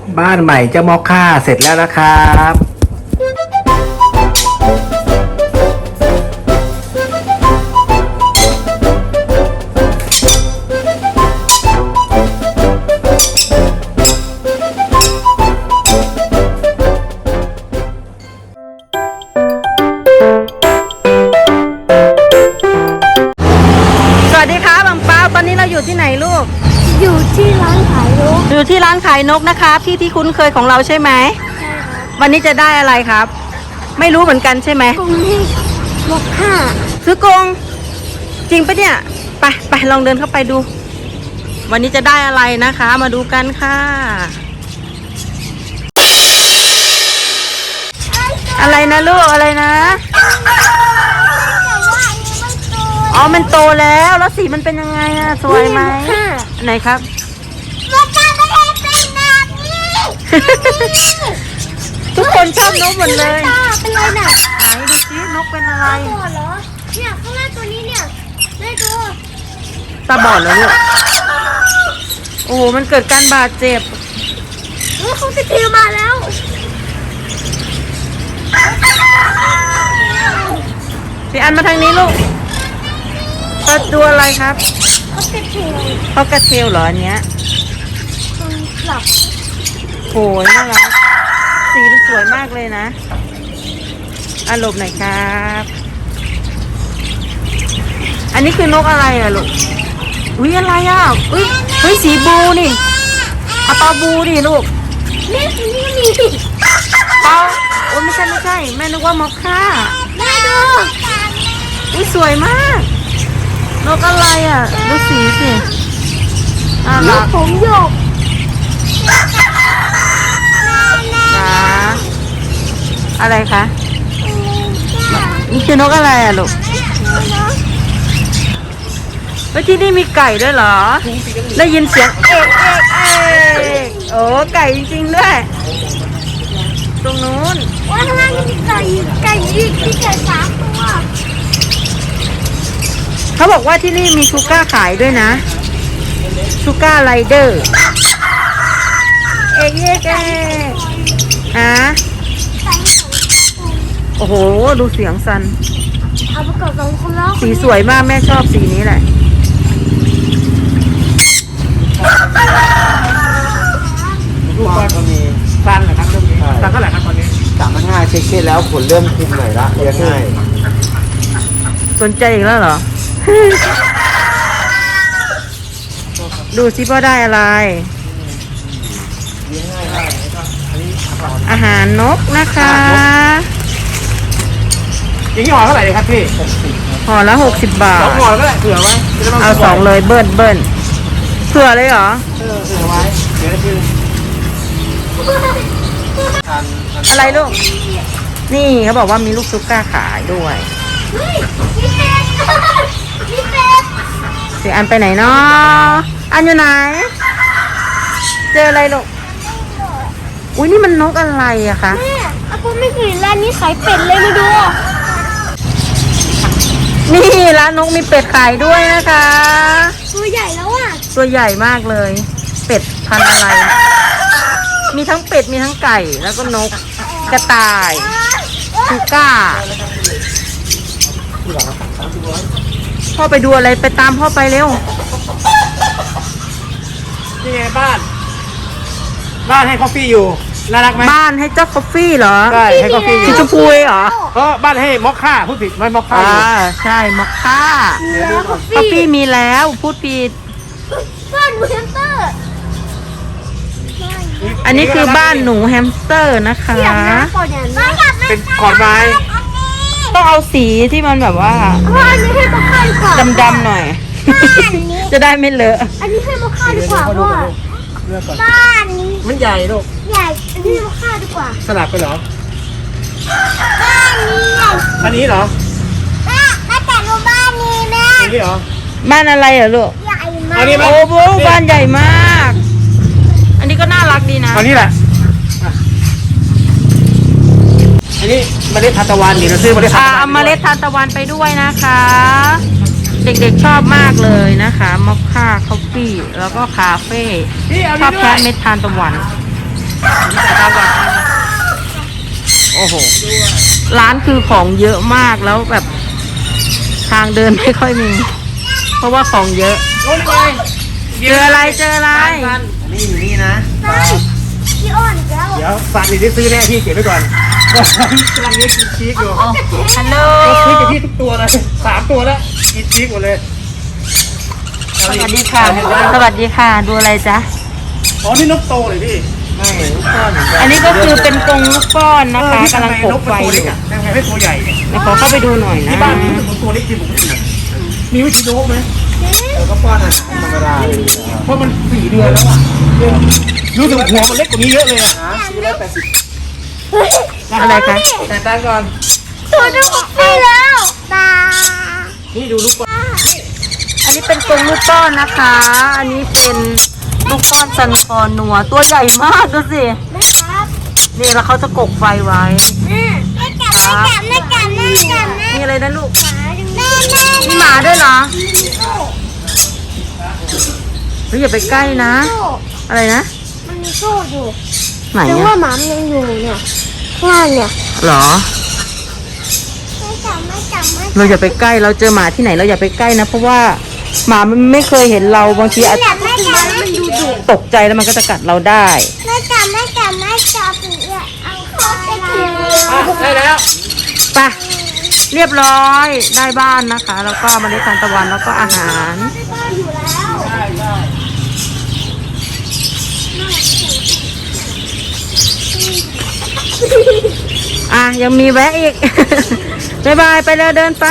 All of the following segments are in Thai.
บ้านใหม่เจ้ามอคค่าเสร็จแล้วนะครับสวัสดีครับบังเปาตอนนี้เราอยู่ที่ไหนลูกอยู่ที่ร้านขายนกอยู่ที่ร้านขายนกนะครับที่คุ้นเคยของเราใช่ไหมใช่ครับวันนี้จะได้อะไรครับ ไม่รู้เหมือนกันใช่ไหมกรงให้นกห้าซื้อกรงจริงปะเนี่ยไปลองเดินเข้าไปดู วันนี้จะได้อะไรนะคะ มาดูกันค่ะ อะไรนะลูกอะไรนะ อ๋อมันโตแล้วแล้วสีมันเป็นยังไงอะสวยไหมไหนครับมันจะไม่ได้เป็นแบบนี้ทุกคนชอบนกหมดเลยเป็นไรน่ะไหนดูสินกเป็นอะไรตัวเหรอเนี่ยข้างหน้าตัวนี้เนี่ยได้ดูตาบอดเหรอลูกโอ้โหมันเกิดการบาดเจ็บเขาจะทีมาแล้วพี่อันมาทางนี้ลูกตัวอะไรครับเขาจะทีเขากระเทลเหรออันเนี้ยคนหลับโอ้ยน่ารักสีมันสวยมากเลยนะอารมณ์หน่อยครับ อันนี้คือนกอะไรอะลูกอุ้ยอะไรอะอุ้ยเฮ้ยสีบลูนี่เอาปลาบลูดิลูกนี่มีปลาโอ้ยไม่ใช่แม่นึกว่ามอคค่าได้ดูอุ้ยสวยมากนกอะไรอ่ะดูสีสิน่าลูรักกผมโยกนะอะไรคะนี่คือนกอะไรอ่ะลูกแล้วที่นี่มีไก่ด้วยเหรอได้ยินเสียงเอกโอ้ไก่จริงๆด้วยตรงนู้นว่าข้างหน้ามีไก่อีกมีไก่สามตัวเขาบอกว่าที่นี่มีชูก้าขายด้วยนะชูก้าไรเดอร์เอกฮะไก่โอ้โหดูเสียงสันเอาประกอบสองคนแล้วสีสวยมากแม่ชอบสีนี้แหละลูกบ้านก็มีสั้นเหรอครับเรื่องนี้สั้นเท่าไหร่ครับตอนนี้3,500เช็คแล้วขนเริ่มคุมหน่อยละเลี้ยงง่ายสนใจอีกแล้วเหรอ ดูซิว่าได้อะไร อาหารนกนะคะอย่างนี้ห่อเท่าไหร่เลยครับพี่ห่อละ60 บาท 2ห่อก็ได้เผื่อไว้เอา2เลยเบิ้ลเผื่อเลยเหรอเผื่อไว้เดี๋ยวคือทานอะไรลูก นี่เขาบอกว่ามีลูกซุก้าขายด้วยเฮ้ยมีเป็ดมีเป็ดเสียอันไปไหนเนาะอันอยู่ไหน เจออะไรลูก อุ้ยนี่มันนกอะไรอะคะแม่อากูไม่เคยเห็นร้านนี้ขายเป็ดเลยมาดูนี่ร้านนกมีเป็ดขายด้วยนะคะตัวใหญ่แล้วอ่ะตัวใหญ่มากเลย เป็ดพันธุ์อะไร มีทั้งเป็ดมีทั้งไก่แล้วก็นกกระต่ายชูก้าพ่อไปดูอะไรไปตามพ่อไปเร็วนี่ไงบ้าน บ้านให้คอฟฟี่อยู่น่ารักไหมบ้านให้เจ้าคอฟฟี่เหรอใช่ให้คอฟฟี่อสียู่ชมพูเหรอเพราะบ้านให้มอคค่าพูดผิดไม่มอคค่าอยู่ใช่มอคค่าแล้วก็คอฟฟี่มีแล้วพูดผิดบ้านหนูแฮมสเตอร์อันนี้คือบ้านหนูแฮมสเตอร์นะคะอยากน้ำก่อนอย่างนี้เป็นขอนไม้ต้องเอาสีที่มันแบบว่าว่าอันนี้ให้มาค่าดีกว่าดำๆหน่อย จะได้ไม่เลอะอันนี้ให้มาค่าดีกว่าเพราะว่าเลือกก่อนบ้านนี้มันใหญ่ลูกใหญ่อันนี้ให้มาค่าดีกว่าสลับไปเหรอบ้านนี้ใหญ่อันนี้เหรอแม่แต่ดูบ้านนี้แม่อันนี้เหรอบ้านอะไรเหรอลูกใหญ่มาอักนนี้ไหมโอ้โหบ้านใหญ่มาก อันนี้ก็น่ารักดีนะอันนี้แหละอ่ะอันนี้เมล็ดทานตะวันนี่เราซื้อเมล็ดทานตะวันเอาเมล็ดทานตะวันไปด้วยนะคะ เด็กๆชอบมากเลยนะคะมอคค่าคอฟฟี่แล้วก็คาเฟ่นี่เอาชอบนี่ด้แค่วยเม็ดทานตะวันโอ้โห ร้านคือของเยอะมากแล้วแบบทางเดินไม่ค่อยมี เพราะว่าของเยอะโอ้ยไงเจออะไรเจออะไรนี่อยู่นี่นะพี่อ้อนแล้วเดี๋ยวฟันนี่ได้ซื้อแน่พี่เก็บไว้ก่อนกำลังเลี้ยงกินชีสอยู่ฮัลโหลก็ซื้อกับพี่ทุกตัวเลย3 ตัวแล้วกินชีสหมดเลยสวัสดีค่ะ สวัสดีค่ะ ดูอะไรจ๊ะอ๋อนี่นกโตเลยพี่ไม่ลูกก้อนเหมือนกันอันนี้ก็คือเป็นกรงลูกก้อนนะคะกำลังกบไฟอยู่ทำไงให้ตัวใหญ่เนี่ยเดี๋ยวขอเข้าไปดูหน่อยนะที่บ้านมีรู้สึกว่าตัวเล็กจริงผมไม่รู้นะมีวิธีโน้ไหมก็ป้อนอาหารธรรมดาเพราะมัน4 เดือนแล้วอ่ะรู้สึกหัวมันเล็กกว่านี้เยอะเลยอ่ะ480 อะไรคะแต่ตั้งก่อนตัวดูไปแล้วตานี่ดูลูกก้อนอันนี้เป็นกรงลูกก้อนนะคะ อันนี้เป็นลูกก้อนซันคอนัวตัวใหญ่มากดูสินะครับนี่แล้วเขาจะกกไฟไว้ไม่จับไม่จับไม่จับนี่อะไรนะลูกแม่มีหมาด้วยเหรอเฮ้ยอย่าไปใกล้นะ อะไรนะมันมีโซ่อยู่ไหนแต่อะว่าหมามันยังอยู่เนี่ยข้างล่างเนี่ยเหรอไม่จับไม่จับไม่เราอย่าไปใกล้ เราเจอหมาที่ไหนเราอย่าไปใกล้นะ เพราะว่าหมามันไม่เคยเห็นเราบางทีอาจจับไม่จับมันดูดุตกใจแล้วมันก็จะกัดเราได้ไม่จับไม่จับไม่จับเนี่ยเอาเข้าไปกินได้แล้วไปเรียบร้อยได้บ้านนะคะ แล้วก็เมาเล็ดทานตะวันแล้วก็อาหารอยู่แล้วได้ได้อ่ะยังมีแวะอีก บ๊ายบายไปเลยเดินไป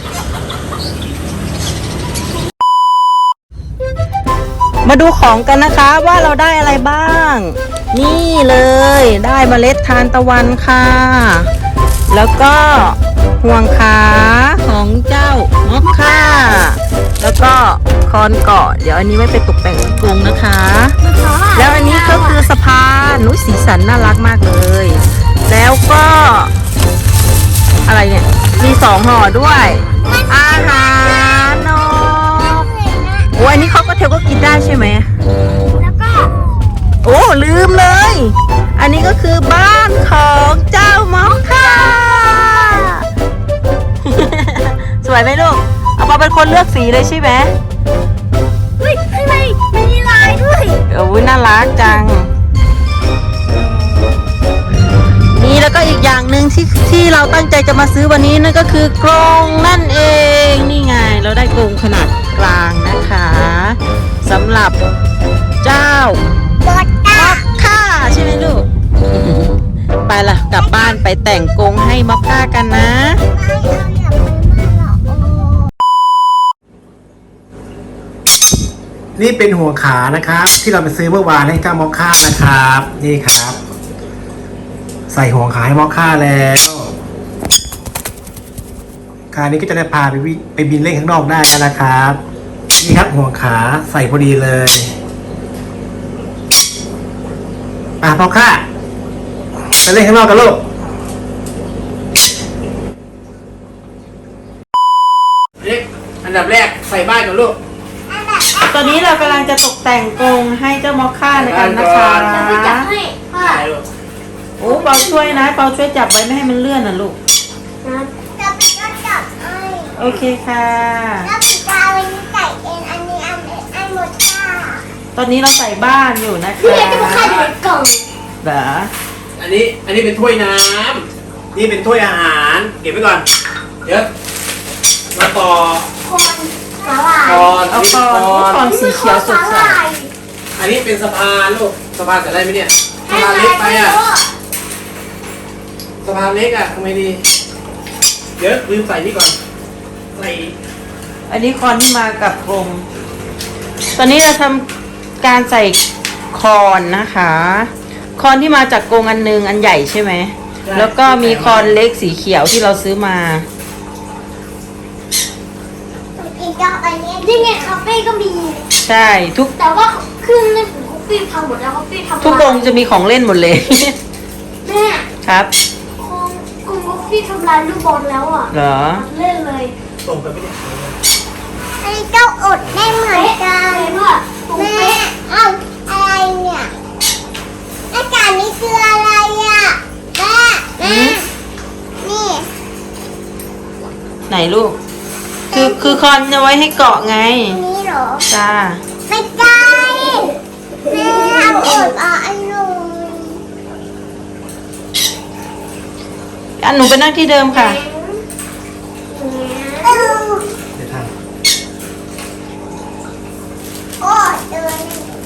มาดูของกันนะคะว่าเราได้อะไรบ้าง นี่เลยได้เมล็ดทานตะวันค่ะ แล้วก็ห่วงขาของเจ้ามอคค่า แล้วก็คอนเกาะ เดี๋ยวอันนี้ไว้ไปตกแต่งกรงนะคะ แล้วอันนี้ก็คือสะพานนุ้ยสีสันน่ารักมากเลย แล้วก็อะไรเนี่ย มี2 ห่อด้วย อาหารนกโอ้อันนี้เขาก็เทลก็กินได้ใช่ไหมแล้วก็โอ้ลืมเลย อันนี้ก็คือบ้านของเจ้ามอคค่า สวยไหมลูก เอามาเป็นคนเลือกสีเลยใช่ไหมเฮ้ยข้างในมันมีลายด้วยโอ้ยน่ารักจัง นี่แล้วก็อีกอย่างหนึ่งที่เราตั้งใจจะมาซื้อวันนี้นั่นก็คือกรงนั่นเอง นี่ไงเราได้กรงขนาดกลางนะคะสำหรับเจ้าบอดตามอคค่าใช่ไหมลูก ไปล่ะกลับบ้านไปแต่งกรงให้มอคค่ากันนะนี่เป็นหัวขานะครับ ที่เราไปซื้อเมื่อวานให้เจ้ามอคค่านะครับ นี่ครับ ใส่หัวขาให้มอคค่าแล้วคราวนี้ก็จะได้พาไปบินเล่นข้างนอกได้แล้วนะครับ นี่ครับหัวขาใส่พอดีเลยมอคค่าไปเล่นข้างนอกกันลูกอันดับแรกใส่บ้านก่อนลูกตอนนี้เรากำลังจะตกแต่งกรงให้เจ้ามอคค่าในกันนะคะไม่จับให้พ่อโอ้เปาช่วยนะเปาช่วยจับไว้ไม่ให้มันเลื่อนนะลูกจับก็จับให้โอเคค่ะแล้วปีกาวันนี้ใส่เองอันนี้อันหมดค่ะตอนนี้เราใส่บ้านอยู่นะคะพี่เล็กจะมาฆ่าอยู่ในกล่องเหรออันนี้เป็นถ้วยน้ำนี่เป็นถ้วยอาหารเก็บไว้ก่อนเดี๋ยวมาต่อคนสาหร่ายก่อนเอาก่อนเอาก่อนสีเขียวสดใสอันนี้เป็นสะพานลูกสะพานจะได้ไหมเนี่ยสะพานเล็กไปอ่ะสะพานเล็กอ่ะทำไมดีเดี๋ยวลืมใส่นี่ก่อนใส่อันนี้คอนที่มากับกรงตอนนี้เราทำการใส่คอนนะคะ คอนที่มาจากกรงอันหนึงอันใหญ่ใช่ไหม แล้วก็มีคอนเล็กสีเขียวที่เราซื้อมาอีกดอกอันนี้นี่ไงคาเฟ่ก็มีใช่ทุกแต่ว่าเครื่องเล่นของคาเฟ่พังหมดแล้วคาเฟ่ทำทุกกรงจะมีของเล่นหมดเลยแม่ครับกรงคาเฟ่ทำลายลูกบอลแล้วอ่ะเหรอเล่นเลยส่งไปไม่ได้อันนี้ก็อดได้เหมือนกันแม่เอาอะไรเนี่ยอาจารลูก คือคอนเอาไว้ให้เกาะไงนี่เหรอจ้าไม่ได้แม่เอาอดเอาอันนู้นอันหนูไปนั่งที่เดิมค่ะเอาเดี๋ยวทโอ้ยเดิน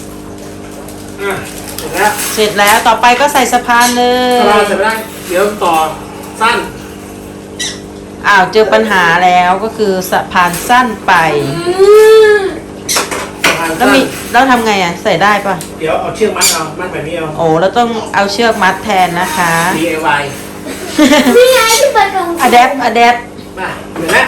ำเสร็จแล้วเสร็จแล้วต่อไปก็ใส่สะพานเลถ้าเรายเสร็จไม่ได้เดี๋ยวต่อสั้นอ้าวเจอปัญหาแล้วก็คือสะพานสั้นไปทางแล้วสั้นมีแล้วทำไงอ่ะ ใส่ได้ปะเดี๋ยวเอาเชือกมัดเอามัดแบบนี้เอาโอ้แล้วต้องเอาเชือกมัดแทนนะคะ DIY นี่ไงที่เปิดกล่องอะแดปอะแดปมาเดี๋ยวนะ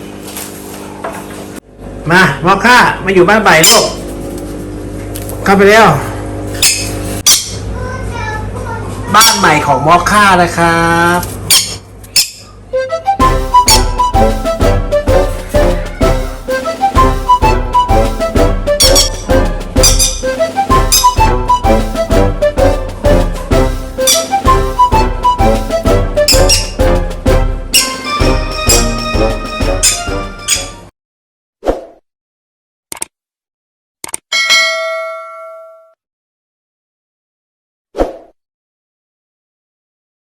มามอค่ามาอยู่บ้านใบลูกเข้าไปเร็วบ้านใหม่ของมอค่านะครับ